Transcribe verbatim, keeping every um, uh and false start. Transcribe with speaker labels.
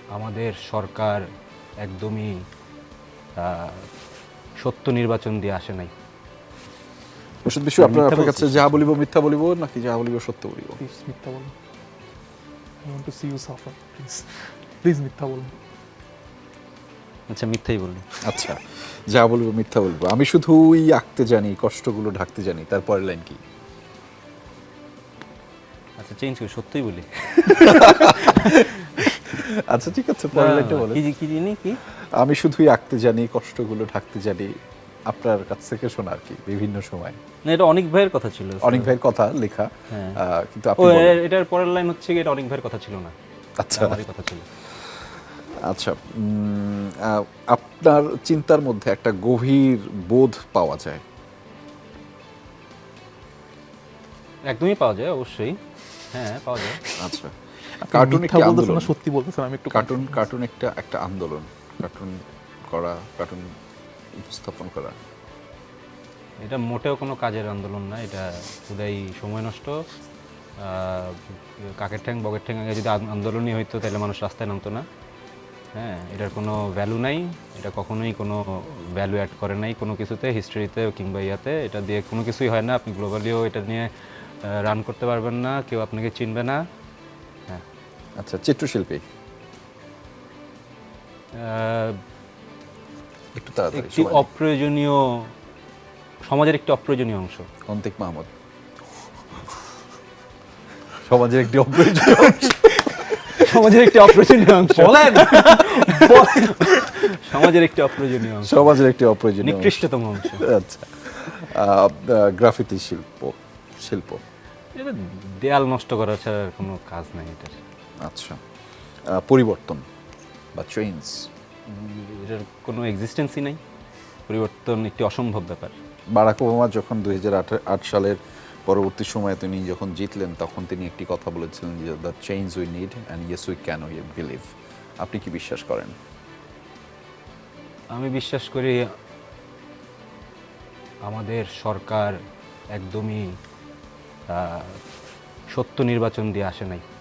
Speaker 1: আমাদের সরকার একদমই আহ, সত্য নির্বাচন দিয়ে আসে নাই।
Speaker 2: ওষুধ বিশ্ব আপনার
Speaker 1: মিথ্যা
Speaker 2: আপনার কাছে
Speaker 1: বলছিস?
Speaker 2: যা বলিব মিথ্যা বলিব নাকি যা বলিব সত্য বলিব?
Speaker 3: প্লিজ মিথ্যা বলুন। I want to see you suffer, please please মিথ্যা বলুন।
Speaker 1: আচ্ছা, মিথ্যাই বললি।
Speaker 2: আচ্ছা, যা বলবো মিথ্যা বলবো। আমি শুধুই আঁকতে জানি, কষ্টগুলো ঢাকতে জানি। তারপরের লাইন কি?
Speaker 1: আচ্ছা, চেঞ্জ করি, সত্যই বলি।
Speaker 2: আচ্ছা ঠিক আছে, পরের লাইনটা বলেন।
Speaker 1: কি জি- কি জিনি কি?
Speaker 2: আমি শুধুই আঁকতে জানি, কষ্টগুলো ঢাকতে জানি। আপনার কাছ থেকে শোনা আর কি, বিভিন্ন সময়।
Speaker 1: না, এটা অনেক ভাইয়ের কথা ছিল।
Speaker 2: অনেক ভাইয়ের কথা লেখা,
Speaker 1: হ্যাঁ।
Speaker 2: আহ, কিন্তু
Speaker 1: ও,
Speaker 2: আপনি বলেন।
Speaker 1: এ- এটার পরের লাইন হচ্ছে কি, এটা অনেক ভাইয়ের কথা ছিল না,
Speaker 2: আচ্ছা
Speaker 1: এটা আমারই কথা ছিল।
Speaker 2: আচ্ছা, উম, আহ, আপনার চিন্তার মধ্যে একটা গভীর বোধ পাওয়া যায়।
Speaker 1: একদমই পাওয়া যায়, অবশ্যই। হ্যাঁ, পাওয়া যায়।
Speaker 2: আচ্ছা,
Speaker 3: আপনি
Speaker 2: কার্টুন
Speaker 3: মিথ্যা
Speaker 2: একটি
Speaker 3: বলতেছেন
Speaker 2: আন্দোলন।
Speaker 3: না সত্যি বলতেছেন, আমি একটু
Speaker 2: কার্টুন
Speaker 3: confused।
Speaker 2: কার্টুন একটা একটা আন্দোলন। কার্টুন করা, কার্টুন উপস্থাপন করা।
Speaker 1: এটা মোটেও কোনো কাজের আন্দোলন না, এটা খুদাই সময় নষ্ট। আহ, কাকের ঠ্যাং বগের ঠ্যাং আগে যদি আন- আন্দোলনই হইতো তাহলে মানুষ রাস্তায় নামতো না। হ্যাঁ, এটার কোনো ভ্যালু নাই, এটা কখনোই কোনো ভ্যালু অ্যাড করে নাই কোনো কিছুতে, হিস্ট্রিতে কিংবা ইয়াতে। এটা দিয়ে কোনো কিছুই হয় না, আপনি গ্লোবালিও এটা নিয়ে রান করতে পারবেন না, কেউ আপনাকে চিনবে না। হ্যাঁ।
Speaker 2: আচ্ছা, চিত্রশিল্পী
Speaker 1: আহ,
Speaker 2: একটু তাড়াতাড়ি
Speaker 1: একটি
Speaker 2: সময় নেই।
Speaker 1: অপ্রয়োজনীয়, সমাজের একটি অপ্রয়োজনীয় অংশ।
Speaker 2: অন্তিক মাহমুদ সমাজের একটি অপ্রয়োজনীয় অংশ।
Speaker 1: সমাজের একটি অপ্রয়োজনীয় অংশ বলেন। সমাজের একটি অপ্রয়োজনীয় অংশ,
Speaker 2: সমাজের একটি অপ্রয়োজনীয় অংশ।
Speaker 1: নিকৃষ্টতম অংশ।
Speaker 2: আচ্ছা, আহ, গ্রাফিতি শিল্প শিল্প
Speaker 1: এটা দেয়াল নষ্ট করা ছাড়া আর কোনো কাজ নাই এটার।
Speaker 2: আচ্ছা, আহ, পরিবর্তন বা চেঞ্জ।
Speaker 1: উম, এটার কোনো এক্সিস্টেন্সই নাই, পরিবর্তন একটি অসম্ভব ব্যাপার।
Speaker 2: বারাক ওবামা যখন দুই হাজার আট সালের পরবর্তী সময়ে তিনি যখন জিতলেন, তখন তিনি একটি কথা বলেছিলেন যে the change we need and yes we can we believe. আপনি কি বিশ্বাস করেন?
Speaker 1: আমি বিশ্বাস করি আমাদের সরকার একদমই আহ, সত্য নির্বাচন দিয়ে আসে নাই।